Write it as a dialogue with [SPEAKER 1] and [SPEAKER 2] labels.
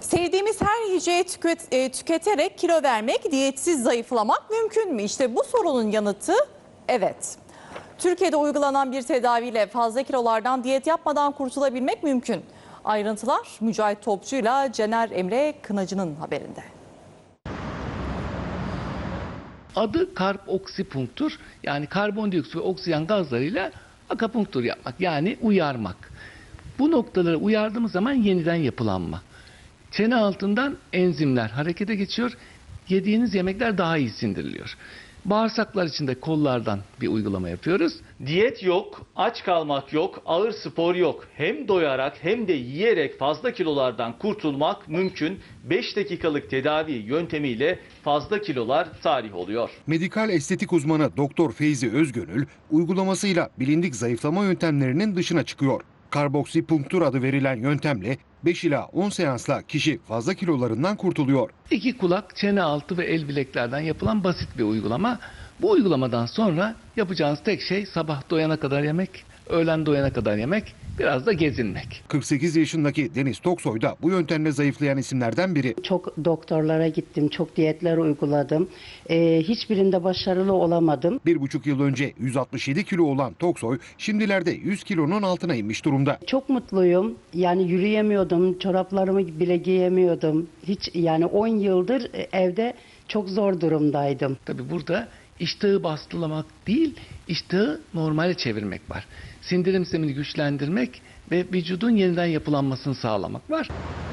[SPEAKER 1] Sevdiğimiz her yiyeceği tüketerek kilo vermek, diyetsiz zayıflamak mümkün mü? İşte bu sorunun yanıtı evet. Türkiye'de uygulanan bir tedaviyle fazla kilolardan diyet yapmadan kurtulabilmek mümkün. Ayrıntılar Mücahit Topçu'yla Cener Emre Kınacı'nın haberinde.
[SPEAKER 2] Adı karboksipunktur, yani karbondioksit ve oksijen gazlarıyla akupunktur yapmak, yani uyarmak. Bu noktaları uyardığımız zaman yeniden yapılanma. Çene altından enzimler harekete geçiyor, yediğiniz yemekler daha iyi sindiriliyor. Bağırsaklar için de kollardan bir uygulama yapıyoruz.
[SPEAKER 3] Diyet yok, aç kalmak yok, ağır spor yok. Hem doyarak hem de yiyerek fazla kilolardan kurtulmak mümkün. 5 dakikalık tedavi yöntemiyle fazla kilolar tarih oluyor.
[SPEAKER 4] Medikal estetik uzmanı Doktor Feyzi Özgönül uygulamasıyla bilindik zayıflama yöntemlerinin dışına çıkıyor. Karboksipunktur adı verilen yöntemle 5 ila 10 seansla kişi fazla kilolarından kurtuluyor.
[SPEAKER 2] 2 kulak, çene altı ve el bileklerden yapılan basit bir uygulama. Bu uygulamadan sonra yapacağınız tek şey sabah doyana kadar yemek, öğlen doyana kadar yemek, biraz da gezinmek.
[SPEAKER 4] 48 yaşındaki Deniz Toksoy da bu yöntemle zayıflayan isimlerden biri.
[SPEAKER 5] Çok doktorlara gittim, çok diyetler uyguladım. Hiçbirinde başarılı olamadım.
[SPEAKER 4] 1,5 yıl önce 167 kilo olan Toksoy şimdilerde 100 kilonun altına inmiş durumda.
[SPEAKER 5] Çok mutluyum. Yani yürüyemiyordum, çoraplarımı bile giyemiyordum. Hiç, yani 10 yıldır evde çok zor durumdaydım.
[SPEAKER 2] Tabii burada iştahı bastılamak değil, iştahı normale çevirmek var. Sindirim sistemini güçlendirmek ve vücudun yeniden yapılanmasını sağlamak var.